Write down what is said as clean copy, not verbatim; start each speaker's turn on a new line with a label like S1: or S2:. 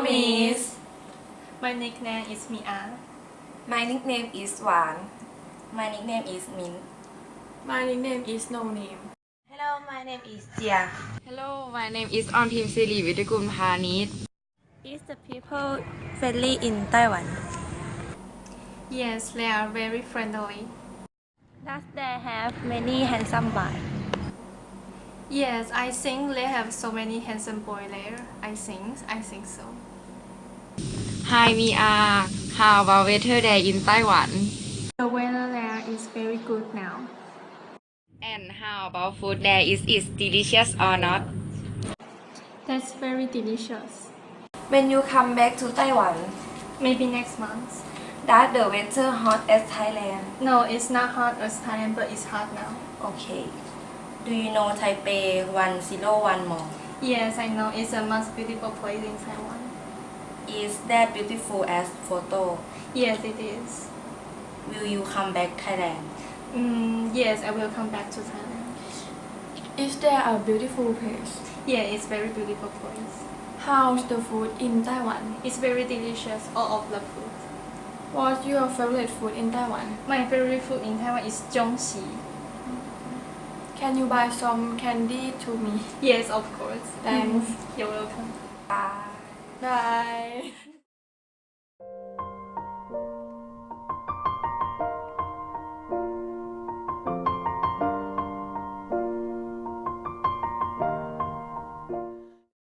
S1: Miss.
S2: My nickname is Mia.
S1: My nickname is Wan.
S3: My nickname is Min.
S4: My nickname is No Name.
S3: Hello, my name is Jia.
S5: Hello, my name is Onpim Siri Vitakul Phanit.
S3: Is the people friendly in Taiwan?
S2: Yes, they are very friendly.
S3: Does they have many handsome boys?
S2: Yes, I think they have so many handsome boys there. I think so.
S5: Hi, Mia. How about weather there in Taiwan?
S2: The weather there is very good now.
S5: And how about food there? Is it delicious or not?
S2: That's very delicious.
S1: When you come back to Taiwan,
S2: Maybe next month.
S1: does the weather hot as Thailand?
S2: No, it's not hot as Thailand, but it's hot now.
S1: Okay.
S3: Do you know Taipei 101 Mall?
S2: Yes, I know it's a most beautiful place in Taiwan.
S3: Is that beautiful as photo?
S2: Yes, it is.
S3: Will you come back Thailand?
S2: Yes, I will come back to Thailand.
S4: Is there a beautiful place?
S2: Yeah, it's very beautiful place.
S4: How's the food in Taiwan?
S2: It's very delicious, all of the food.
S4: What's your favorite food in Taiwan?
S2: My favorite food in Taiwan is zhongxi.
S4: Can you buy some candy to me?
S2: Yes, of course.
S4: Thanks.
S2: You're welcome.
S1: Bye.
S4: Bye.